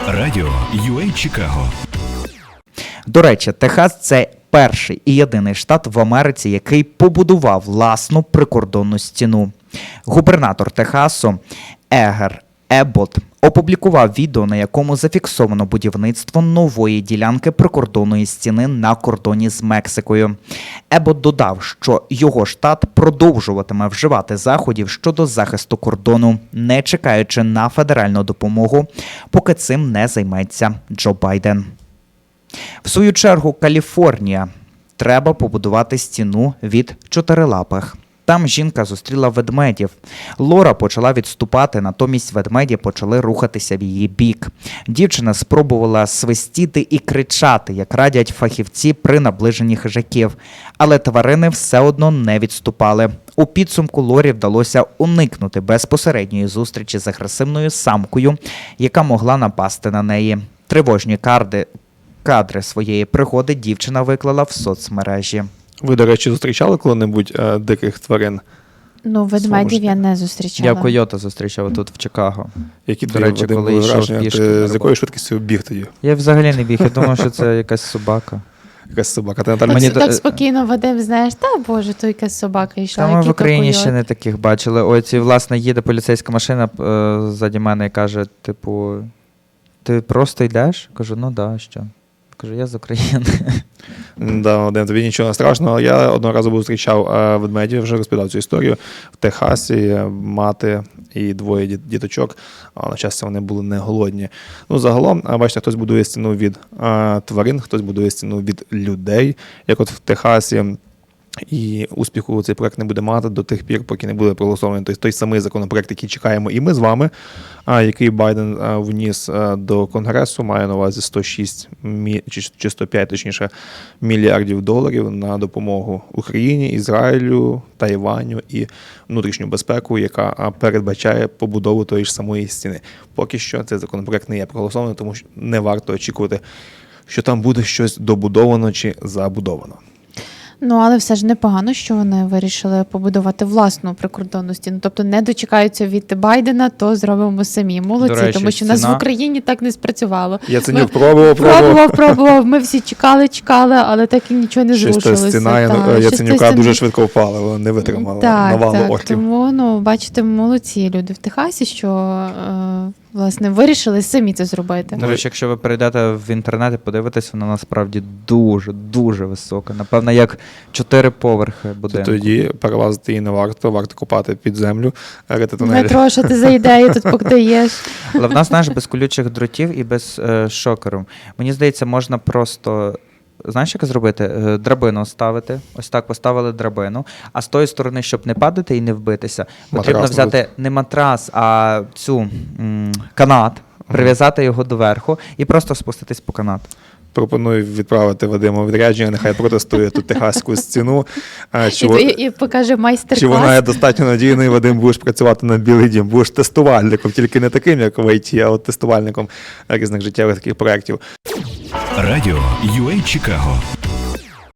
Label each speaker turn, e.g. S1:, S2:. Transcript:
S1: Радіо UA Чикаго.
S2: До речі, Техас – це перший і єдиний штат в Америці, який побудував власну прикордонну стіну. Губернатор Техасу Егер Еббот опублікував відео, на якому зафіксовано будівництво нової ділянки прикордонної стіни на кордоні з Мексикою. Еббот додав, що його штат продовжуватиме вживати заходів щодо захисту кордону, не чекаючи на федеральну допомогу, поки цим не займеться Джо Байден. В свою чергу, Каліфорнія. Треба побудувати стіну від чотирилапих. Там жінка зустріла ведмедів. Лора почала відступати, натомість ведмеді почали рухатися в її бік. Дівчина спробувала свистіти і кричати, як радять фахівці при наближенні хижаків. Але тварини все одно не відступали. У підсумку Лорі вдалося уникнути безпосередньої зустрічі з агресивною самкою, яка могла напасти на неї. Тривожні кадри своєї пригоди дівчина виклала в соцмережі.
S3: Ви, до речі, зустрічали коли-небудь диких тварин?
S4: Ну, ведмедів я не зустрічала.
S2: Я койота зустрічав тут в Чикаго.
S3: Які
S2: До речі,
S3: Вадим,
S2: коли
S3: були
S2: йшов
S3: враження?
S2: пішки
S3: Ти
S2: на
S3: з
S2: роботу.
S3: якою швидкістю біг тоді?
S2: Я взагалі не біг, я думав, що це якась собака.
S3: Якась собака. Ти, Наталя,
S2: Мені
S4: Так спокійно, Вадим, знаєш, та боже, то якась собака йшла.
S2: Та ми в
S4: який
S2: Україні
S4: койот.
S2: ще не таких бачили. Ось, власне, їде поліцейська машина ззаді мене і каже, типу, ти просто йдеш? Кажу, ну да, що? Кажу, я з України.
S3: Да, Вадим, тобі нічого не страшного. Я одного разу зустрічав ведмедів, вже розповідав цю історію. В Техасі мати і двоє діточок, а на щастя вони були не голодні. Ну, загалом, бачите, хтось будує стіну від тварин, хтось будує стіну від людей, як от в Техасі. І успіху цей проект не буде мати до тих пір, поки не буде проголосований той самий законопроект, який чекаємо і ми з вами, який Байден вніс до Конгресу, має на увазі 106 чи 105, точніше, мільярдів доларів на допомогу Україні, Ізраїлю, Тайваню і внутрішню безпеку, яка передбачає побудову тої ж самої стіни. Поки що цей законопроект не є проголосований, тому що не варто очікувати, що там буде щось добудовано чи забудовано.
S4: Ну, але все ж непогано, що вони вирішили побудувати власну прикордонну стіну. Тобто не дочекаються від Байдена, то зробимо самі. Молодці,
S2: До речі,
S4: тому що в нас
S2: стіна-
S4: в Україні так не спрацювало.
S3: Яценюк
S4: Ми
S3: пробував.
S4: пробував. Ми всі чекали, але так і нічого не
S3: Щось та
S4: зрушилося.
S3: стіна
S4: Та,
S3: Яценюка
S4: щось та
S3: дуже швидко впала, вона не витримала навалу
S4: так,
S3: орків.
S4: тому, ну, бачите, молодці люди в Техасі, що, власне, вирішили самі це зробити.
S2: До речі, якщо ви перейдете в інтернет і подивитесь, вона насправді дуже висока. Напевно, як 4 поверхи будинку.
S3: Тоді перелазити її не варто копати під землю, рити тунелі.
S4: Дмитро, що ти за ідею тут подаєш?
S2: Але в нас, знаєш, без колючих дротів і без шокеру. Мені здається, можна просто, знаєш, як зробити? Драбину ставити. Ось так поставили драбину. А з тої сторони, щоб не падати і не вбитися, потрібно
S3: Матрас
S2: взяти не матрас, а цю канат, прив'язати його доверху і просто спуститись по канату.
S3: Пропоную відправити Вадима у відрядження, нехай протестує тут техаську стіну.
S4: І покаже
S3: Чи
S4: майстер-клас.
S3: вона є достатньо надійною, Вадим, будеш працювати на Білий дім, будеш тестувальником, тільки не таким, як в ІТ, а от тестувальником різних життєвих таких проєктів.
S1: Радіо UA Чикаго.